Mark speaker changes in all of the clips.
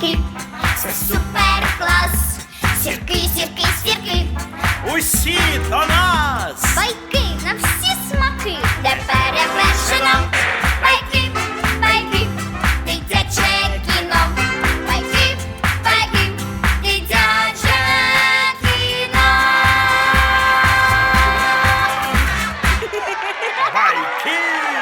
Speaker 1: сірки, це супер клас. Сірки, сірки, сірки,
Speaker 2: Усі до нас!
Speaker 1: байки на всі смаки, де перевершено. Байки, байки, дитяче кіно. Байки, байки, дитяче кіно.
Speaker 2: Байки!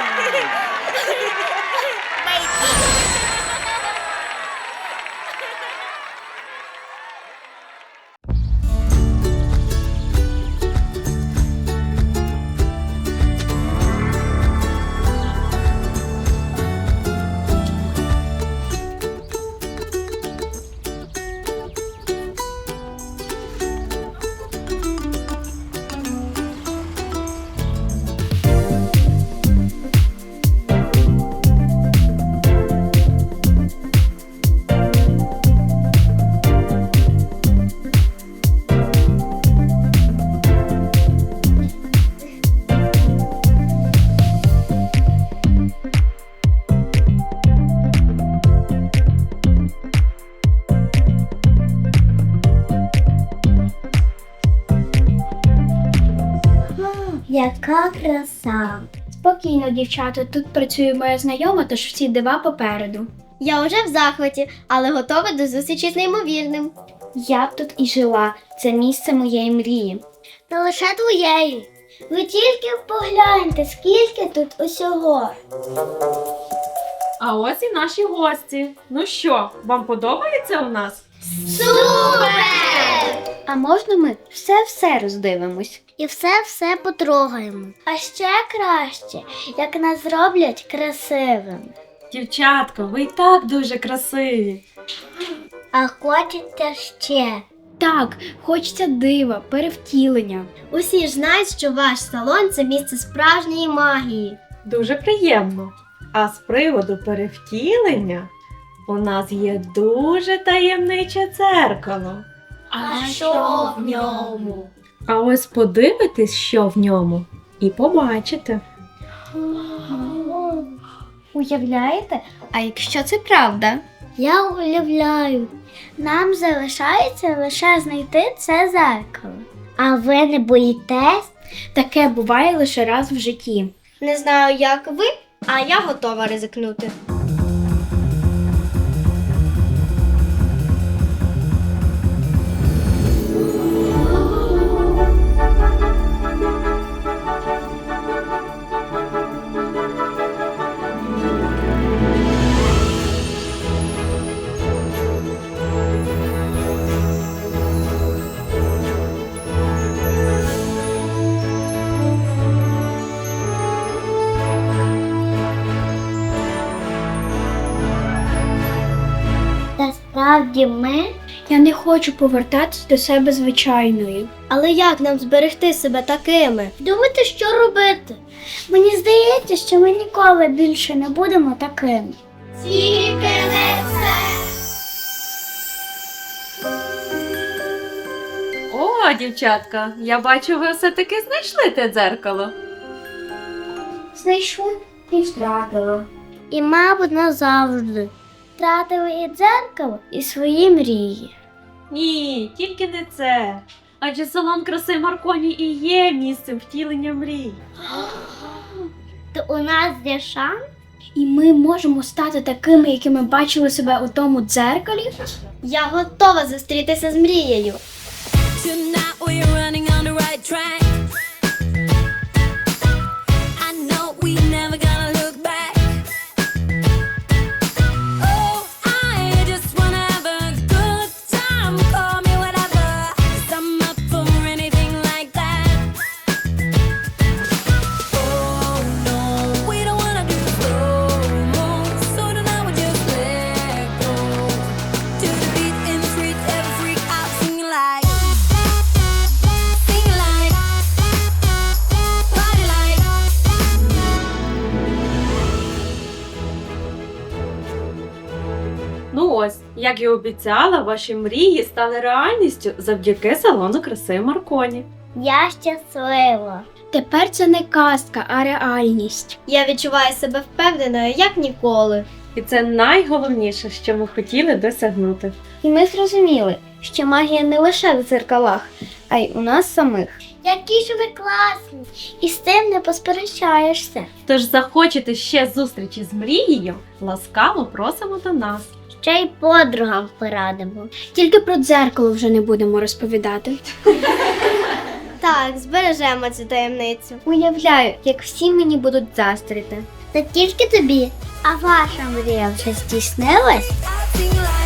Speaker 1: Яка краса.
Speaker 3: Спокійно, дівчата, тут працює моя знайома, тож всі дива попереду.
Speaker 4: Я вже в захваті, але готова до зустрічі з неймовірним.
Speaker 3: Я б тут і жила. Це місце моєї мрії.
Speaker 1: Не лише твоєї. Ви тільки погляньте, скільки тут усього.
Speaker 5: А ось і наші гості. Ну що, вам подобається у нас?
Speaker 1: Супер!
Speaker 3: А можна ми все роздивимось?
Speaker 1: І все потрогаємо. А ще краще, як нас зроблять красивим.
Speaker 5: Дівчатка, ви і так дуже красиві.
Speaker 1: А хочеться ще.
Speaker 3: Так, хочеться дива, перевтілення.
Speaker 4: Усі ж знають, що ваш салон – це місце справжньої магії.
Speaker 5: Дуже приємно. А з приводу перевтілення у нас є дуже таємниче дзеркало.
Speaker 1: А що в ньому?
Speaker 5: А ось подивитесь, що в ньому, і побачите.
Speaker 3: Уявляєте? А якщо це правда?
Speaker 1: Я уявляю, нам залишається лише знайти це зеркало. А ви не боїтесь?
Speaker 3: Таке буває лише раз в житті.
Speaker 4: Не знаю, як ви, а я готова ризикнути.
Speaker 1: Насправді ми.
Speaker 3: Я не хочу повертатись до себе звичайною.
Speaker 4: Але як нам зберегти себе такими?
Speaker 1: Думайте, що робити. Мені здається, що ми ніколи більше не будемо такими. Тільки не це.
Speaker 5: О, дівчатка, я бачу, ви все-таки знайшли те дзеркало.
Speaker 3: Знайшла і втратила.
Speaker 1: І, мабуть, назавжди. Втратили і дзеркало, і свої мрії.
Speaker 5: Ні, тільки не це. Адже салон краси Марконі і є місцем втілення мрій.
Speaker 1: То у нас є шанс?
Speaker 3: І ми можемо стати такими, якими бачили себе у тому дзеркалі?
Speaker 4: Я готова зустрітися з мрією.
Speaker 6: Tonight we're running on the right track. I know we never gonna look back. Oh, I just wanna have a good time. Call me whatever, 'cause I'm up for anything like that. Oh no, we don't wanna do slow-mo. So tonight we just let go. To the beat in the street, every freak out singing like.
Speaker 5: Ну ось, як і обіцяла, ваші мрії стали реальністю завдяки салону краси Марконі.
Speaker 1: Я щаслива.
Speaker 3: Тепер це не казка, а реальність.
Speaker 4: Я відчуваю себе впевненою, як ніколи.
Speaker 5: І це найголовніше, що ми хотіли досягнути.
Speaker 3: І ми зрозуміли, що магія не лише в дзеркалах, а й у нас самих.
Speaker 1: Які ж ви класні! І з тим не посперечаєшся.
Speaker 5: Тож захочете ще зустрічі з мрією, ласкаво просимо до нас.
Speaker 1: Ще й подругам порадимо.
Speaker 3: Тільки про дзеркало вже не будемо розповідати.
Speaker 4: Так, збережемо цю таємницю.
Speaker 3: Уявляю, як всі мені будуть заздрити.
Speaker 1: Та тільки тобі. А ваша мрія вже здійснилась?
Speaker 6: Acting like